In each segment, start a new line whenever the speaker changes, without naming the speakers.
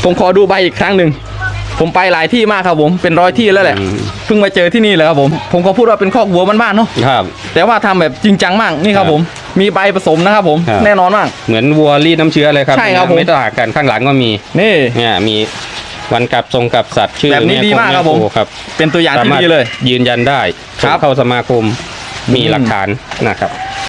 ผมขอดูใบอีกครั้งหนึ่งผมไปหลายที่มากครับผมเป็นร้อยที่แล้วแหละเพิ่งมาเจอที่นี่เลยครับผมก็พูดว่าเป็นคอกวัวบ้านๆเนาะ
ครับ
แต่ว่าทำแบบจริงจังมากนี่ครับผมมีใบผสมนะครับผมแน่นอนมาก
เหมือนวัวรีดน้ำเชื้อเลยครับ
ใช่ครับผม
ไม่ต่างกันข้างหลังก็มี
นี่
เนี่ยมีวันกับทรงกับสัตว์ชื่อ
แบบนี้ดีมากครับผม
ครับ
เป็นตัวอย่างที่ดีเลย
ยืนยันได้เข้าสมาคมมีหลักฐานนะครับ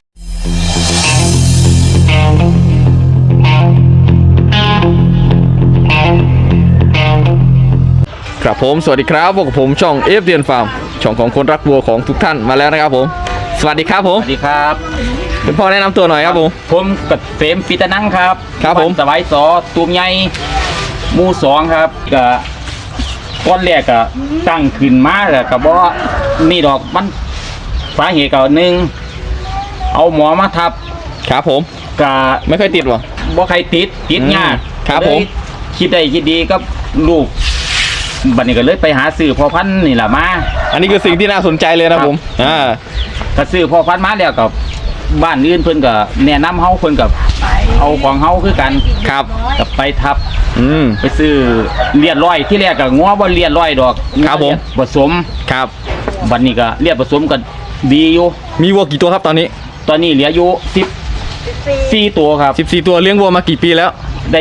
ครับผมสวัสดีครับพวกผมช่องเอฟเดียนฟาร์มช่องของคนรักวัวของทุกท่านมาแล้วนะครับผมสวัสดีครับผม
สวัสดีครับ
คุณพ่อแนะนำตัวหน่อยครับผม
กับเฟรมปิตนังครับ
ครับผม
สบายสอตูมใหญ่หมู่สองครับก็ก้อนแรกก็ตั้งขึ้นมาแล้วก็บอกนี่ดอกมันสาเหตุก็หนึ่งเอาหมอมาทับ
ครับผม
ก็
ไม่ค่อยติดหรอ
บ่ใครติดยาก
ครับผม
คิดได้คิดดีก็ลูกบัดนี้ก็เลยไปหาซื้อพ่อพันธุ์นี่แหละมา
อันนี้คือสิ่งที่น่าสนใจเลยนะผม
ถ้าซื้อพ่อพันธุ์มาแล้วกับบ้านอื่นเพิ่นก็แนะนำเฮาเพิ่นกับเอาของเฮาคือกัน
ครับ
กับไปทับ
ไป
ซื้อเลียดร้อยที่แรกก็งัวบ่เลียดร้อยดอก
ครับผม
ผสม
ครับ
บัดนี้ก็เลียดผสมก็ดีอยู่
มีวัวกี่ตัวครับตอนนี้
เหลืออยู่14ตัวครับ
14ตัวเลี้ยงวัวมากี่ปีแล้ว
ได้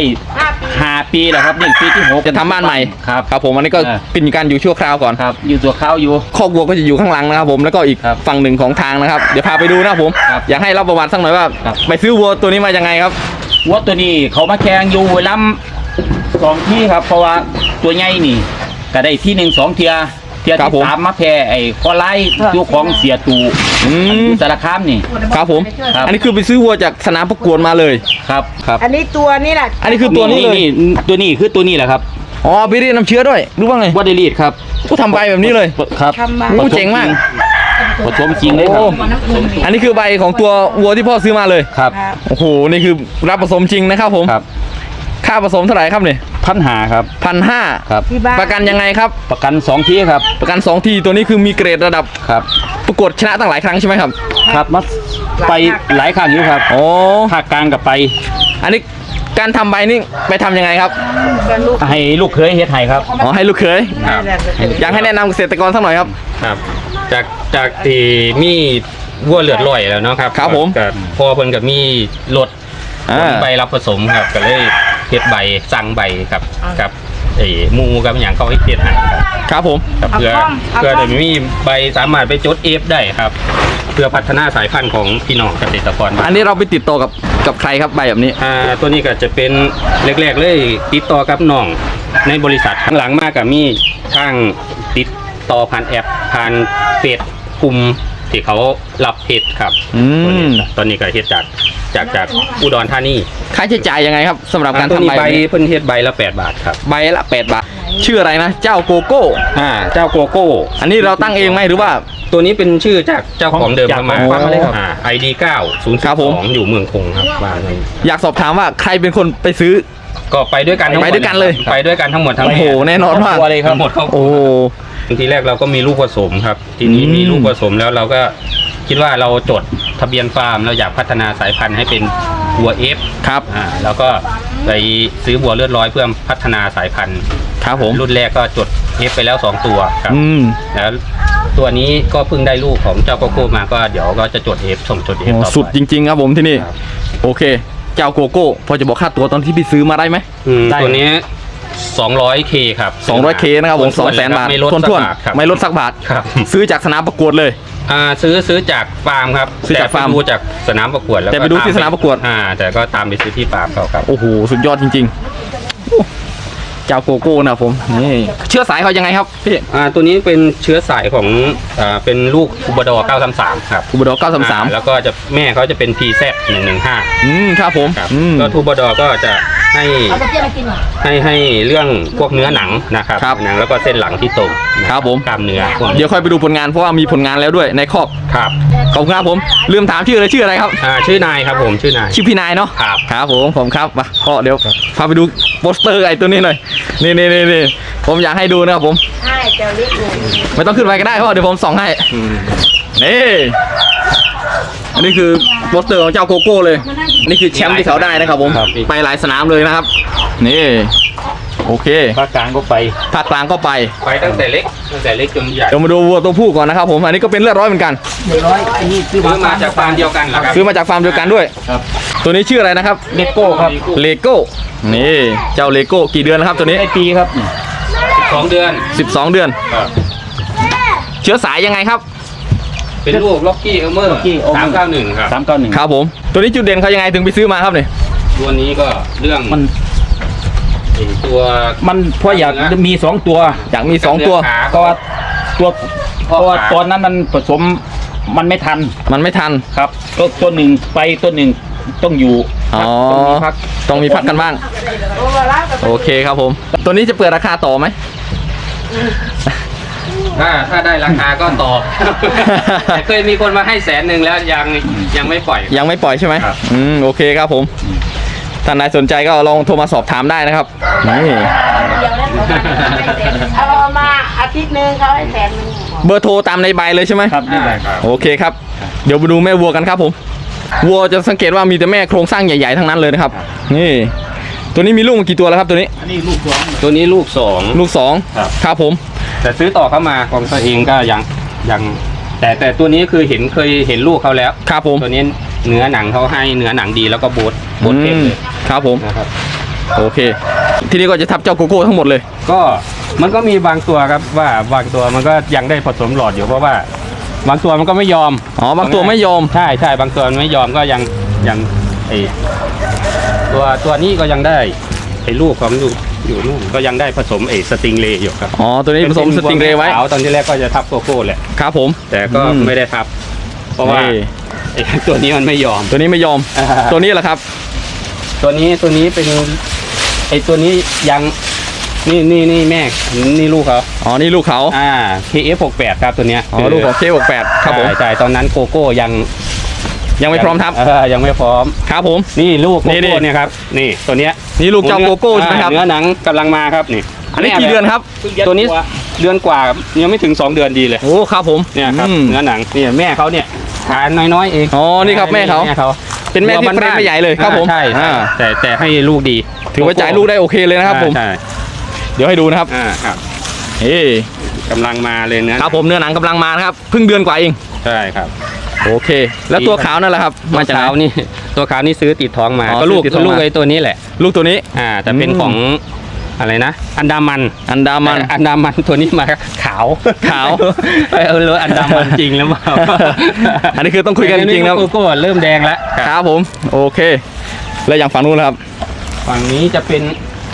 5 ปีแล้วครับนี่ปีที่6
จะทำบ้านใหม่
ครับ
ครับผมอันนี้ก็เป็นการอยู่ชั่วคราวก่อน
ครับอยู่ตัวคราวอยู่
คอกวัวก็จะอยู่ข้างหลังนะครับผมแล้วก็อีกฝั่งหนึ่งของทางนะครับเดี๋ยวพาไปดูนะครับผมอยากให้เล่าประวัติสักหน่อยว่าไปซื้อวัวตัวนี้มายังไงครับ
วัวตัวนี้เขามาแข่งอยู่ล้ำ2ที่ครับเพราะว่าตัวใหญ่นี่ก็ได้ที่1 2เทียที่3มาแพ้ไอ้คอไล่ตัวของเสียตูสารคามนี่
ครับผมอันนี้คือไปซื้อวัวจากสนามประกวดมาเลย
ครับ
อันนี้ตัวนี้แหละ
อันนี้คือตัวนี้เลย
ตัวนี้คือตัวนี้แหละครับ
อ๋อไปรีดน้ำเชื้อด้วยรู้ว่าไง
ว่าได้รีดครับ
ก็ทำใบแบบนี้เลย
ครับ
โอ้เจ๋งมาก
ผสมจริงเลยครับ
อันนี้คือใบของตัววัวที่พ่อซื้อมาเลย
ครับ
โอ้โหนี่คือรับผสมจริงนะครับผม
ครับ
ค่าผสมเท่าไหร่ครับเนี่ย
1,500ครับ
1,500
ครับ
ประกันยังไงครับ
ประกัน2ทีครับ
ประกัน2ทีตัวนี้คือมีเกรดระดับ
ครับ
ประกวดชนะตั้งหลายครั้งใช่ไหมครับ
ครับมาไปหลายครั้งอยู่ครับ
โอ้
ภาคกลางกับไป
อันนี้การทำใบนี่ไปทำยังไงครับ
ให้ลูกเขยเฮ็ดให้ครับ
อ๋อให้ลูกเขยอยากให้แนะนำเกษตรกรสักหน่อยครับ
ครับจากที่มีวัวเลือดลอยแล้วเนาะครับ
ครับผม
กับพอเพิ่นกับมีรถใบรับผสมครับก็เลยเฮ็ดใบสั่งใบกับไอ้มูกับอย่างเขาให้เฮ็ดให้
ครับผม
เพื่อจะมีใบสามารถไปจดเอฟได้ครับเพื่อพัฒนาสายพันธุ์ของพี่น้องเกษตรกร
อันนี้เราไปติดต่อกับใครครับใบแบบนี้
ตัวนี้ก็จะเป็นแรกๆเลยติดต่อกับน้องในบริษัทข้างหลังมากกับมีทางติดต่อผ่านแอปผ่านเฟซกลุ่มที่เขารับเฮ็ดครับตอนนี้ก็เฮ็ดจากอุดรธานี
ค่าใช้จ่ายยังไงครับสำหรับการทำใบ
เพิ่นเฮ็ดใบละ8 บาทครับ
ใบละ8 บาทชื่ออะไรนะเจ้าโกโก้
เจ้าโกโก้
อันนี้เราตั้งเองไหมหรือว่า
ตัวนี้เป็นชื่อจากเจ้าของเดิมมา
เลยครับ
ID 902อยู่เมืองคงครับ
อยากสอบถามว่าใครเป็นคนไปซื้อ
ก็ไปด้วยกัน
ไปด้วยกันเลย
ไปด้วยกันทั้งหมดทั้ง
โอ้โหแน่นอนมาก
ทั้งหมดโอ้ทีแรกเราก็มีลูกผสมครับทีนี้มีลูกผสมแล้วเราก็คิดว่าเราจดทะเบียนฟาร์มเราอยากพัฒนาสายพันธุ์ให้เป็นวัวเอฟ
ครับ
แล้วก็ไปซื้อวัวเลือดร้อยเพื่อพัฒนาสายพันธุ์
ครับผม
รุ่นแรกก็จดเอฟไปแล้ว2 ตัวครับแล้วตัวนี้ก็เพิ่งได้ลูกของเจ้าโกโก้มาก็เดี๋ยวก็จะจดเอฟส่งจดเอฟต่อไป
สุดจริงๆครับผมที่นี่โอเคเจ้าโกโก้พอจะบอกค่าตัวตอนที่พี่ซื้อมาได้ไหม
ตัวนี้200K ครับ
200K นะครับผม 200,000 บาททวนๆไม่ลดสักบาทซื้อจากสนามประกวดเลย
ซื้อจากฟาร์มครับ
ซื้อจากฟาร์ม
ดูจากสนามประกวดแล้ว
แต่ไปดูที่สนามประกวด
แต่ก็ตามไปซื้อที่ฟาร์มเขาครับ
โอ้โหสุดยอดจริงๆเจ้าโกโก้นะผมนี่เชื้อสายเขายังไงครับพี่
ตัวนี้เป็นเชื้อสายของเป็นลูกคูบาดอร์933ครับ
คูบาดอร์933
แล้วก็จะแม่เขาจะเป็น PZ 115
ครับผม
ก็คูบาดอร์ก็จะให้เรื่องพวกเนื้อหนังนะครับหนังแล้วก็เส้นหลังที่ตรง
ครับผม
กล้ามเนื้อ
เดี๋ยวค่อยไปดูผลงานเพราะว่ามีผลงานแล้วด้วยในคอก
ครับ
ขอบคุณครับผมลืมถามชื่ออะไรครับ
ชื่อนายครับผมชื่อนาย
ชื่อพี่นายเนาะครับผมครับมาก็เดี๋ยวพาไปดูโปสเตอร์ไอ้ตัวนี้หน่อยนี่ผมอยากให้ดูนะครับผม
ใช่เจ้าลิกู
ไม่ต้องขึ้นไปก็ได้เพราะเดี๋ยวผมส่องให้นี่อันนี้คือโปสเตอร์ของเจ้าโกโก้เลยนี่คือแชมป์ที่เขาได้นะครับผมไปหลายสนามเลยนะครับนี่โอเค
ภาคกลางก็ไป
ภาคกลางก็ไป
ไปตั้งแต่เล็กจนใหญ่
เดี๋ยวมาดูวัวตัวผู้ก่อนนะครับผมอันนี้ก็เป็นเลือดร้อยเหมือนกัน
100อันนี้ซื้อ
ซื้อมาจากฟาร์มเดียวกันเหรอครับ
ซื้อมาจากฟาร์มเดียวกันด้วย
ครับ
ตัวนี้ชื่ออะไรนะครับ
เลโก้ครับ
เลโก้นี่เจ้าเลโก้กี่เดือนแล้วครับตัวนี้
ได้ปีครับ
2 เดือน
12 เดือน เชื้อสายยังไงครับ
เป็นลูกล็อกกี้เอลเมอร์
Rocky Elmer
391ครับ
391
ครับผมตัวนี้จุดเด่นเขายังไงถึงไปซื้อมาครับเนี่ย
ตัวนี้ก็เรื่อง
มัน
ไอ้ตัว
มันเพราะอยากมี 2 ตัว
อยากมี2ตัว
ขา
เพราะว่าตัวเพราะว่าตอนนั้นมันผสมมันไม่ทัน
มันไม่ทัน
ครับตัวหนึ่งไปตัวหนึ่งต้องอยู่
อ๋อ
ต้องมีพัก
ต้องมีพักกันบ้าง
โอ้ละกับ
โอเคครับผม ตัวนี้จะเปิดราคาต่อไหม
ถ้าได้ราคาก็ตอบ แต่เคยมีคนมาให้100,000แล้วยังไม่ปล่อย
ยังไม่ปล่อยใช่ไหม
ครับ
โอเคครับผมท่านใดสนใจก็ลองโทรมาสอบถามได้นะครับนี่
เดียวแล้วเขาเอามาอาทิตย์หนึงเขาให้100,000
เบอร์โทรตามในใบเลยใช่ไหม
ครับนี่แหละ
โอเคครับ เดี๋ยวไปดูแม่วัวกันครับผม วัวจะสังเกตว่ามีแต่แม่โครงสร้างใหญ่ๆทั้งนั้นเลยนะครับ นี่ ตัวนี้มีลูกมากี่ตัวแล้วครับตัวนี้
อันนี้ลูกสอง
ตัวนี้ลูก
ลูกสอง
ครับ
ครับผม
2แต่ซื้อต่อเข้ามาของตัวเองก็ยังแต่ตัวนี้คือเคยเห็นลูกเขาแล้ว
ครับผม
ตัวนี้เนื้อหนังเขาให้เนื้อหนังดีแล้วก็โบดเต็มเลย
ครับผม
นะครับ
โอเค ที่นี่ก็จะทับเจ้าโกโก้ทั้งหมดเลย
ก็มันก็มีบางตัวครับว่าบางตัวมันก็ยังได้ผสมหลอดอยู่เพราะว่าบางตัวมันก็ไม่ยอม
อ๋อบางตัวไม่ยอม
ใช่บางตัวมันไม่ยอมก็ยังไอตัวนี้ก็ยังได้ไอลูกของลูกอยู่นู่นก็ยังได้ผสมไอสติงเลย์อยู่ครับ
อ๋อ ตัวนี้ผสมสติงเรย์ไว้
ขาวตอนที่แรกก็จะทับโกโก้แหละ
ครับผม
แต่ก็
อืม
ไม่ได้ทับ เพราะว่า
นี่
ไอตัวนี้มันไม่ยอม
ตัวนี้ไม่ยอม ตัวนี้แหละครับ
ตัวนี้เป็นไอตัวนี้ยังนี่แม่นี่ลูกเขา
อ๋อ นี่ลูกเขา
KF68 ครับตัวเนี้ย
อ๋อ ลูกของเค68ครับผม
ใช่ตอนนั้นโกโก้ยัง
ยังไม่พร้อมทับ
ยังไม่พร้อม
ครับผม
นี่ลูกโก
นี่
โก้เนี่ยครับนี่ตัวเนี้ย
นี่ลูกเจ้าโกโก้ใช่ไหมครับ
เนื้อหนังกำลังมาครับนี่
อันนี้กี่เดือนครับ
ตัวนี้เดือนกว่าครับยังไม่ถึง 2 เดือนดีเลย
โอ้ ครับผม
เนี่ยครับ
อืม
เนื้อหนังเนี่ยแม่เขาเนี่ยทานน้อยๆเอง
อ๋อ นี่ครับแม่เขา เป็นแม่ที่เฟรมไม่ใหญ่เลยครับผม
ใช่
อ่า
แต่ให้ลูกดี
ถือว่าจ่ายลูกได้โอเคเลยนะครับผม
ใช่
เดี๋ยวให้ดูนะครับ
ครับ
เฮ้
กำลังมาเลยเนื้อ
ครับผมเนื้อหนังกำลังมานะครับ เพิ่งเดือนกว่าเอง
ใช่ครับ
โอเค แล้วตัวขาวนั่นแหละครับ มาจากไหน
ตัวขาวนี่ซื้อติดท้องมา
อ๋อ
ก็ลูก
ซื้อติดท้องมา
ลูกไอ้ตัวนี้แหละ
ลูกตัวนี้
แต่เป็นของอะไรนะ อันดามัน
อันดามัน
อันดามันตัวนี้มาขาว
ขาว
รู้อันดามันจริงแล้วเปล่า
อันนี้คือต้องคุยกันจริงๆนะ
โกโก้เริ่มแดงแล้ว
ครับผม โอเค แล้วอย่างฝั่งนู้นนะครับ
ฝั่งนี้จะเป็น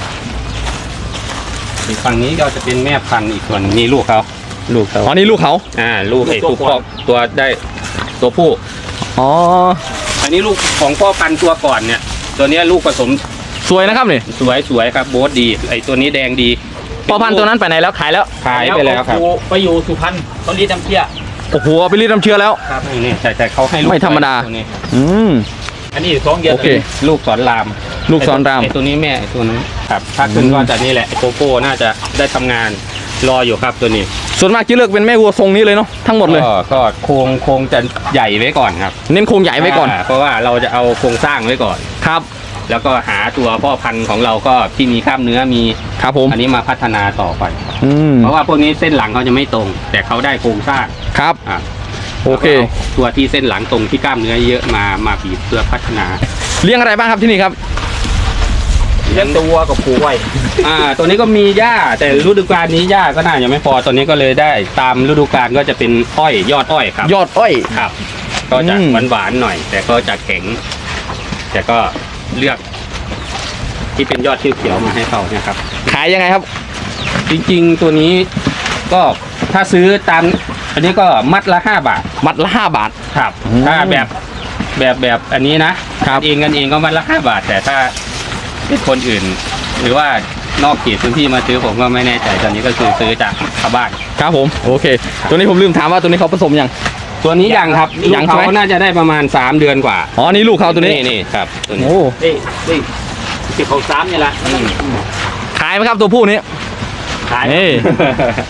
อีกฝั่งนี้ก็จะเป็นแม่พันธุ์อีกส่วนนี่ลูกเขา
อ๋อ นี่ลูกเขา
ลูกไอ้ตัวพ่อตัวได้ตัวผู้
อ๋อ
อันนี้ลูกของพ่อพันธุ์ตัวก่อนเนี่ย ตัวเนี้ยลูกผสม
สวยนะครับนี่
สวยครับโบ๊ทดีไอ้ตัวนี้แดงดี
พอพันธุ์ตัวนั้นไปไหนแล้วขายแล้ว
ขายไปแล้วครับ
ไปอยู่สุพรรณตอนนี้น้ำเชี่ย
โอ้โหเอาไปรีดน้ำเชื้อแล้ว
ครับนี่แต่เขาให้ลูก
ไม่ธรรมดา
ตัวนี้
อืม
อันนี้2 เดือน
โอเค
ลูกสอนราม
ลูกสอนราม
ไอ้ตัวนี้แม่ไอ้ตัวนั้นครับถ้าขึ้นก็จะนี่แหละไอ้โกโก้น่าจะได้ทำงานรออยู่ครับตัวนี้
ส่วนมากจะเลือกเป็นแม่วัวทรงนี้เลยเนาะ ทั้งหมดเลย
ก็โครงจะใหญ่ไว้ก่อนครับ
เน้นโครงใหญ่ไว้ก่อน
เพราะว่าเราจะเอาโครงสร้างไว้ก่อน
ครับ
แล้วก็หาตัวพ่อพันธุ์ของเราก็ที่มีกล้ามเนื้อมี
ครับผม
อันนี้มาพัฒนาต่อไป
อืม
เพราะว่าพวกนี้เส้นหลังเขาจะไม่ตรง แต่เขาได้โครงสร้าง
ครับ
อ่ะ
โอเค
แล้วก็าตัวที่เส้นหลังตรงที่กล้ามเนื้อเยอะมาบีบเพื่อพัฒนา
เลี้ยงอะไรบ้างครับที่นี่ครับ
เลี้ยงตัววัวกับผูไว้
ตัวนี้ก็มีหญ้าแต่ฤดูกาลนี้หญ้าก็น่าจะไม่พอตัวนี้ก็เลยได้ตามฤดูกาลก็จะเป็นอ้อยยอดอ้อยครับ
ยอดอ้อย
ครับ ก็จะ
อืม
หวานๆหน่อย แต่ก็จะแข็ง แต่ก็เลือก ที่เป็นยอดเขียวๆมาให้เขาเนี่ยครับ
ขายยังไงครับ
จริงๆตัวนี้ก็ถ้าซื้อตามอันนี้ก็มัดละ5 บาท
มัดละ5 บาท
ครับ
อืม
ถ้าแบบอันนี้นะครับ กันเองก็มัดละ5 บาท แต่ถ้าเป็นคนอื่น หรือว่านอกเขตพื้นที่มาซื้อผมก็ไม่แน่ใจตอนนี้ก็คือซื้อจากชาวบ้าน
ครับผม โอเค ตัวนี้ผมลืมถามว่าตัวนี้เขาผสมยัง
ตัวนี้ยังครับ
ยัง
ลูก
ใช่ไหม
เขาน่าจะได้ประมาณ3 เดือนกว่า
อ๋อ นี่ลูกเขาตัวนี้
นี่ครับตัวนี้
โอ้
นี่ที่เขา3นี่แหละ
ขายไหมครับตัวผู้นี้
ขาย
นี่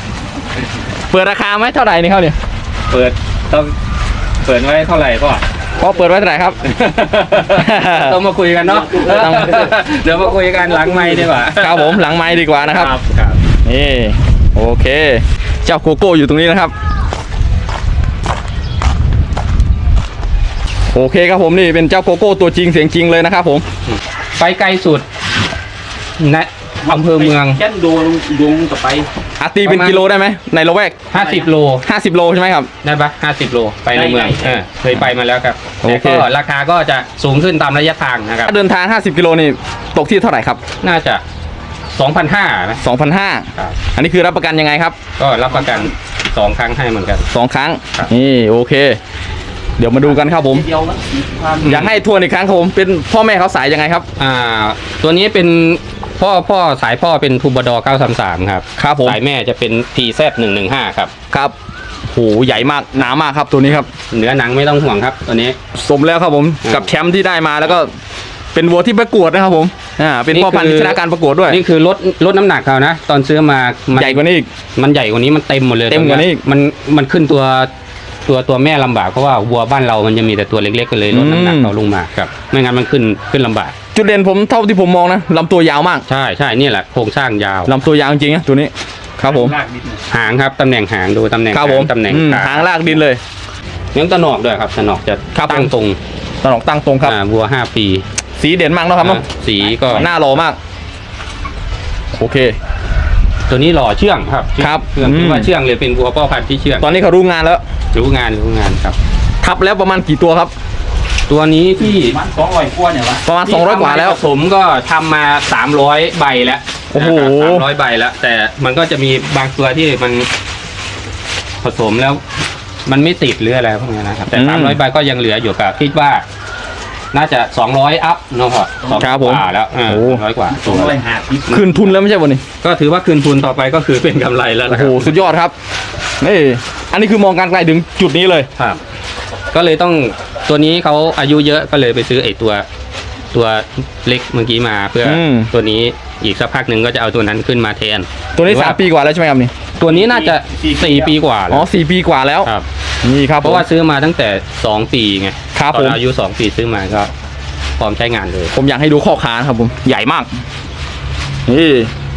เปิดราคาไหมเท่าไหร่นี่เขาเนี่ย
เปิดต้องเปิดไว้เท่าไหร่พ่อ
พ่อเปิดไว้เท่าไหร่ครับ
ต้องมาคุยกันเนาะ
ต้อง
เดี๋ยวมาคุยกันหลังไมค์ดีกว่า
ครับผมหลังไม้ดีกว่านะครับ
ครับ
นี่โอเค เจ้าโกโก้อยู่ตรงนี้นะครับ โอเคครับผมนี่เป็นเจ้าโกโก้ตัวจริงเสียงจริงเลยนะครับผม
ไปไกลสุดในอำเภอเมือง
แค่ดวงกับไป
อาตีเป็นกิโลได้ไหมในละแวก
50 โล
50 โลใช่ไหมครับ
ได้ปะ50 โลไปในเมือง
ได้
เคยไปมาแล้วครับ
โอ
แต่
เค
ก็ราคาก็จะสูงขึ้นตามระยะทางนะครับ
ถ้าเดินทาง 50 กิโลนี่ตกที่เท่าไหร่ครับ
น่าจะ 2,500 นะ
2,500
ครับ
อันนี้คือรับประกันยังไงครับ
ก็รับประกัน2 ครั้งให้เหมือนกัน
2 ครั้ง
ครับ
นี่โอเค เดี๋ยวมาดูกันครับผม
เดียวนะความ
อยากให้ทวนอีกครั้งครับผมเป็นพ่อแม่เขาสายยังไงครับ
ตัวนี้เป็นพ่อสายพ่อเป็นทูบดอ933ครับ
ครับผม
สายแม่จะเป็น TZ 115ครับ
ครับโหใหญ่มากหนามากครับตัวนี้ครับ
เนื้อหนังไม่ต้องห่วงครับตัวนี้
สมแล้วครับผมกับแชมป์ที่ได้มาแล้วก็เป็นวัวที่ประกวดนะครับผมเป็นพ่อพันธุ์ที่ชนะการประกวดด้วย
นี่คือลดน้ำหนักเขานะ ตอนซื้อมามัน
ใหญ่กว่านี้อีก
มันใหญ่กว่านี้มันเต็มหมดเลย
เต็มกว่านี้อีก
มันขึ้นตัวแม่ลำบากเพราะว่าวัวบ้านเรามันจะมีแต่ตัวเล็กๆก็เลยลดน้ำหนักเขาลงมาครับไม่งั้นมันขึ้นลำบาก
จุดเด่นผมเท่าที่ผมมองนะลำตัวยาวมาก
ใช่นี่แหละโครงสร้างยาว
ลำตัวยาวจริงๆนะตัวนี้ครับผม
ลากนิดนึง
หางครับตำแหน่งหางดูตำแหน่ง
ครับผม
ตำแหน่ง
หางลากดินเลย
เลี้ยงตะหนอกด้วยครับตะหนอกจะ
ครับผม
ตั้งตรง
ตอนออกตั้งตรงครับ
วัว5 ปี
สีเด่นมากเนอะครับเนอะ
สีก็
หน้าหล่อมาก โอเค
ตัวนี้หล่อเชื่องครับ
ครับ
เชื่องถือว่าเชื่องเลยเป็นวัวพ่อพันธุ์ที่เชื่อง
ตอนนี้เขารู้งานแล้ว
รู้งานครับ
ทับแล้วประมาณกี่ตัวครับ
ตัวนี้ที่
มัน200กว่าเนี่ยวะ
ประมาณ 200 กว่าแล้ว
ผสมก็ทำมา300 ใบแล้ว
โอ้โห
นะครับ300 ใบแล้ว แต่มันก็จะมีบางตัวที่มันผสมแล้ว มันไม่ติดหรืออะไรพวกนี้นะครับ แต่300 ใบก็ยังเหลืออยู่กับคิดว่า น่าจะ200 อัพเนาะครับ
ครับผม
กว่าแล้ว200 กว่าตัว
250
คืนทุนแล้วไม่ใช่วันนี้
ก็ถือว่าคืนทุนต่อไปก็คือเป็นกำไรแล้ว
โอ้
นะค
โห
รับ
สุดยอดครับนี่อันนี้คือมองการไกลถึงจุดนี้เลย
ครับ ก็เลยต้องตัวนี้เขาอายุเยอะก็เลยไปซื้อไอ้ตัวเล็กเมื่อกี้มาเพื่ออ
ม
ตัวนี้อีกสักพักหนึ่งก็จะเอาตัวนั้นขึ้นมาแทน
ตัวนี้
หรือว่า
3 ปีกว่าแล้วใช่ไหมครับนี่
ตัวนี้น่าจะ4 ปีกว่า
อ๋
แล้
อ
ว
4 ปีกว่าแล้ว
ครับ
นี่ครับ
เพราะว่าซื้อมาตั้งแต่2 ปีไง
ครับ
ตอ
ผม
นอายุ2 ปีซื้อมาก็พร้อมใช้งานเลย
ผมอยากให้ดูข้อขานะครับผมใหญ่มากนี่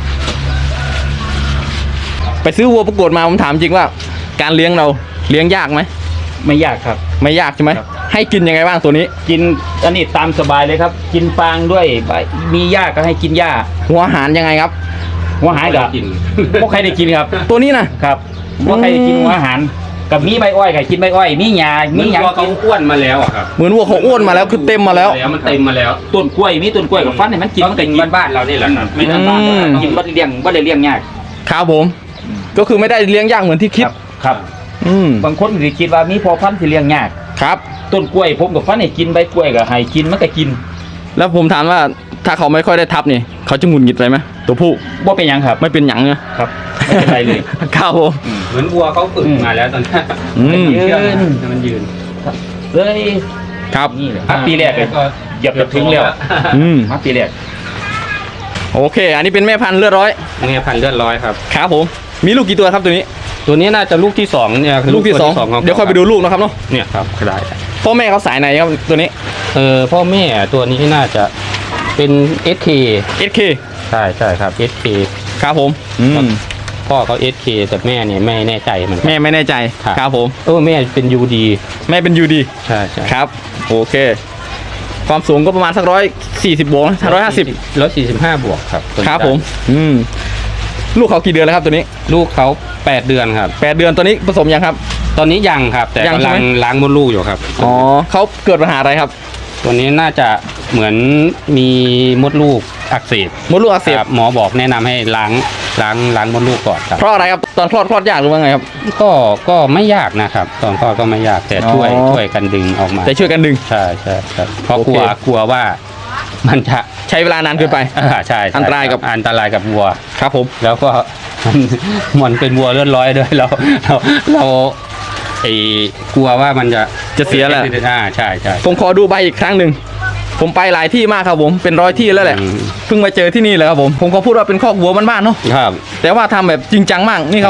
ไปซื้อวัวประกวดมาผมถามจริงว่า การเลี้ยงเราเลี้ยงยากไหม
ไม่ยากครับ
ไม่ยากใช่ไหม
ครับ
ให้กินยังไงบ้างตัวนี้
กินอันนี้ตามสบายเลยครับ กินฟางด้วยมีหญ้าก็ให้กินหญ้า
หัวอาหารยังไงครับ
หัวหายกับ
กิน
พวกใครได้กินครับ
ตัวนี้นะครับ
พวกใครได้กินหัวอาหารกับมีใบอ้อยกับกินใบอ้อยมีหญ้า
มี
มีห
ห
ยั
ยัง งเขาอ้วนมาแล้วอะครับ
เหมือนวัวเขาอ้วนมาแล้วคือเต็มมาแล้ว
มันเต็มมาแล้ว
ต้นกล้วยมีต้นกล้วยกับฟันให้มันกินมันก็กิน
บ้านๆเรานี่แหละครับ
ไม่ได้บ้าน
อืม
กินบ่ได้เลี้ยงบ่ได้เลี้ยงยาก
ครับผม ก็คือไม่ได้เลี้ยงยากเหมือนที่คิด
ครับ
อืม
บางคนสิคิดว่ามีพอพันธุ์สิเลี้ยงยาก
ครับ
ต้นกล้วยผมกับฟันให้กินใบกล้วยก็ให้กินมันก็กิน
แล้วผมถามว่าถ้าเขาไม่ค่อยได้ทับนี่เขาจะหงุดหงิดอะไรไหมตัวผู้
บ่เป็นหยังครับ
ไม่เป็นหยังเนี่ย
ครับไม่เป็นไรเลย
ครับผม
เหมือนวัวเขาฝึกมาแล้วตอนนี้
อืม
มันยืน
เลย
ครับ
นี่แหละครับปีแรกเลยเหยียบจะถึงแล้ว
อืม
มาปีแรก
โอเค อันนี้เป็นแม่พันธุ์เลือดร้อย
เนี่ยพันเลือดร้อยครับ
ครับผม มีลูกกี่ตัวครับตัวนี้
ตัวนี้น่าจะลูกที่2เนี่ย
ลูกที่
ตัว
2
ของ
เดี๋ยวค่อยไปดูลูกนะครับเนาะ
เนี่ยครับได้
พ่อแม่เขาสายไหนครับตัวนี้
พ่อแม่ตัวนี้น่าจะเป็น SK
SK
ใช่ครับ SK
ครับผมอืม
พ่อเขา SK แต่แม่เนี่ยไม่แน่ใจเหมือนกั
แม่ไม่แน่ใจ
ครับ
ครับผม
แม่เป็น UD
แม่เป็นยูดี
ใช่
ครับ โอเค ความสูงก็ประมาณสัก140บวกนะ150
145 บวกครับตัวนี้
ครับผม อืม ลูกเขากี่เดือนแล้วครับตัวนี้
ลูกเขา8 เดือนครับ
8 เดือนตัวนี้ผสมยังครับ
ตอนนี้ยังครับ แต่
ยังใช่
กำลั
ไหม
งล้างมดลูกอยู่ครับ
อ๋อเขาเกิดปัญหาอะไรครับ
ตัวนี้น่าจะเหมือนมีมดลูกอักเสบ
มดลูกอักเสบ
ครับหมอบอกแนะนำให้ล้างมดลูกก่อนครับ
เพราะอะไรครับ ตอนคลอดยากหรือว่าไงครับ
ก็ไม่ยากนะครับตอนคลอดก็ไม่ยากแต่ช่วย
อ๋อ
ช่วยกันดึงออกมา
แต่ช่วยกันดึง
ใช่เพราะ
โอเค
กลัวว่ามันจะ
ใช้เวลานานเกินไป
ใช่
อันตรายกับ
อันตรายกับวัว
ครับผม
แล้วก็ มันเป็นวัวเลือดร้อยด้วยเรากลัวว่ามันจะ
จะเสียแหละ
ใช่
ผมขอดูใบอีกครั้งหนึ่ง ผมไปหลายที่มากครับผม เป็น100 ที่แล้วแหละ
อืม
เพิ่งมาเจอที่นี่เลยครับผม ผมขอพูดว่าเป็นคอกวัวบ้านๆเนาะ
ครับ
แต่ว่าทำแบบจริงจังมาก นี่ครับผม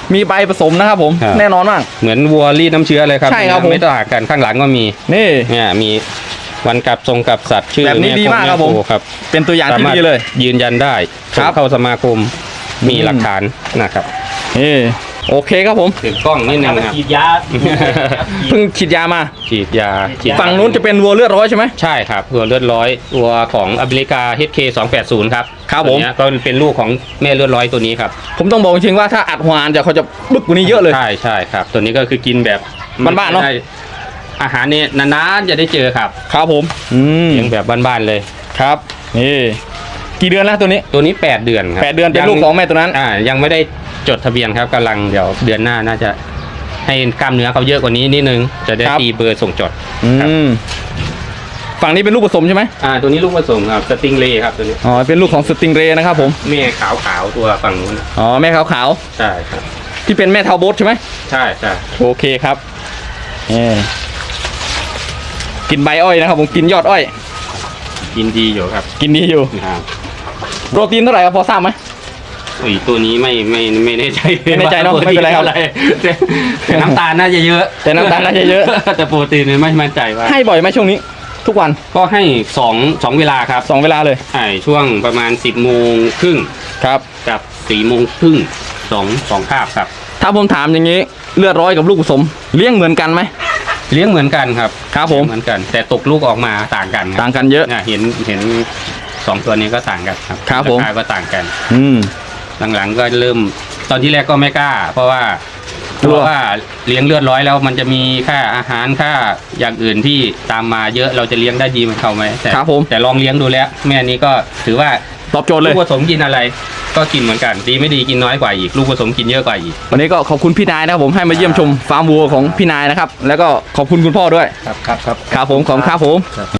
มีใบผสมนะครับผม
ครับ
แน่นอนมาก
เหมือนวัวรีดน้ำเชื้อเลยครับ
ใช่ครับผม
ไม่ต่างกันข้างหลังก็มี
นี่
เนี่ยมีวันกลับทรงกับสัตว์ชื่อ
แบบนี้ดีมากครับผม
แโครับ
เป็นตัวอย่างที่ดีเลย
ยืนยันได้
ครับ
ส่งเข้าสมาคมมีหลักฐานนะครับ
นี่โอเคครับผม
ถือกล้องนิดนึงครับ
ฉีดยา
เพิ่งฉีดยามา
ฉีดยาฉีด
ฝั่งนู้นจะเป็นวัวเลือดร้อยใช่ไหม
ใช่ครับวัวเลือดร้อยวัวของอเมริกา HK 280ครับ
ครับผม
ตัวเนี้ยก็เป็นลูกของแม่เลือดร้อยตัวนี้ครับ
ผมต้องบอกจริงๆว่าถ้าอัดหัวอ่านจะเขาจะบึกกว่านี้เยอะเลย
ใช่ใช่ครับ ตัวนี้ก็คือกินแบบ
บ้านๆเนอะ
ไม่ได้อาหารเนี่ยนานๆจะได้เจอครับ
ครับผม
เลี้ยงแบบบ้านๆเลย
ครับนี่กี่เดือนแล้วตัวนี้
ตัวนี้ 8 เดือนครับ
8 เดือนเป็นลูกของแม่ตัวนั้น
ยังไม่ได้จดทะเบียนครับกำลังเดี๋ยวเดือนหน้าน่าจะให้กล้ามเนื้อเขาเยอะกว่านี้นิดนึงจะได้
ครับ
ตีเบอร์ส่งจด
อืมฝั่งนี้เป็นลูกผสมใช่ไหม
ตัวนี้ลูกผสมครับสติงเลย์ครับตัวนี้
อ๋อเป็นลูกของสติงเรย์นะครับผม
แม่ขาวๆตัวฝั่งนู้น
อ๋อแม่ขาว
ใช่ครับ
ๆที่เป็นแม่เทาโบสใช่ไหม
ใช่ใช่
โอเคครับกินใบอ้อยนะครับผมกินยอดอ้อย
กินดีอยู่ครับ
กินดีอยู่
ครับ
โปรตีนเท่าไหร่ครับพอทราบไหม
อุ้ยตัวนี้ไม่แน่ใจ
ไม่แน่ใจเนอะ
ว่า
ไม่เป็นไรครับ
โปตีแต่น้ำตาลน่าจะเยอะ
แต่น้ำตาลน่าจะเยอะ
แต่โปรตีนเนี่ยไม่มั่นใจว่า
ให้บ่อยไหมช่วงนี้ ทุกวัน
ก็ให้2 เวลาครับ
2 เวลาเลย
ใช่ช่วงประมาณ 10 โมงครึ่ง
ครับ
กับ4 โมงครึ่งสองคาบครับ
ถ้าผมถามอย่างนี้เลือดร้อยกับลูกผสมเลี้ยงเหมือนกันไหม
เลี้ยงเหมือนกันครับ
ครับผม
เหมือนกัน แต่ตกลูกออกมาต่างกันครับ
ต่างกันเยอะ
เนี่ยเห็น2 ตัวนี้ก็ต่างกันครับ
ครับผม
ราคาก็ต่างกัน
อืม
หลังๆก็เริ่มตอนที่แรกก็ไม่กล้า เพราะว่าก
ลั
ลั
ว
วว่าเลี้ยงเลือดร้อยแล้วมันจะมีค่าอาหารค่าอย่างอื่นที่ตามมาเยอะเราจะเลี้ยงได้ดีเหมือนเขาไหมแต่
ครับผม
แต่ลองเลี้ยงดูแล้ว แม่นี้ก็ถือว่า
ตอบโจทย์เล
ลู
ย
กผสมกินอะไร ก็กินเหมือนกัน ดีไม่ดีกินน้อยกว่าอีก ลูกผสมกินเยอะกว่าอีก
วันนี้ก็ขอบคุณพี่นายนะครับผมให้มาเยี่ยมชมฟาร์มวัวของพี่นายนะครับ แล้วก็ขอบคุณคุณพ่อด้วย
ครับครับครับ
ครับผมขอบคุณครับผม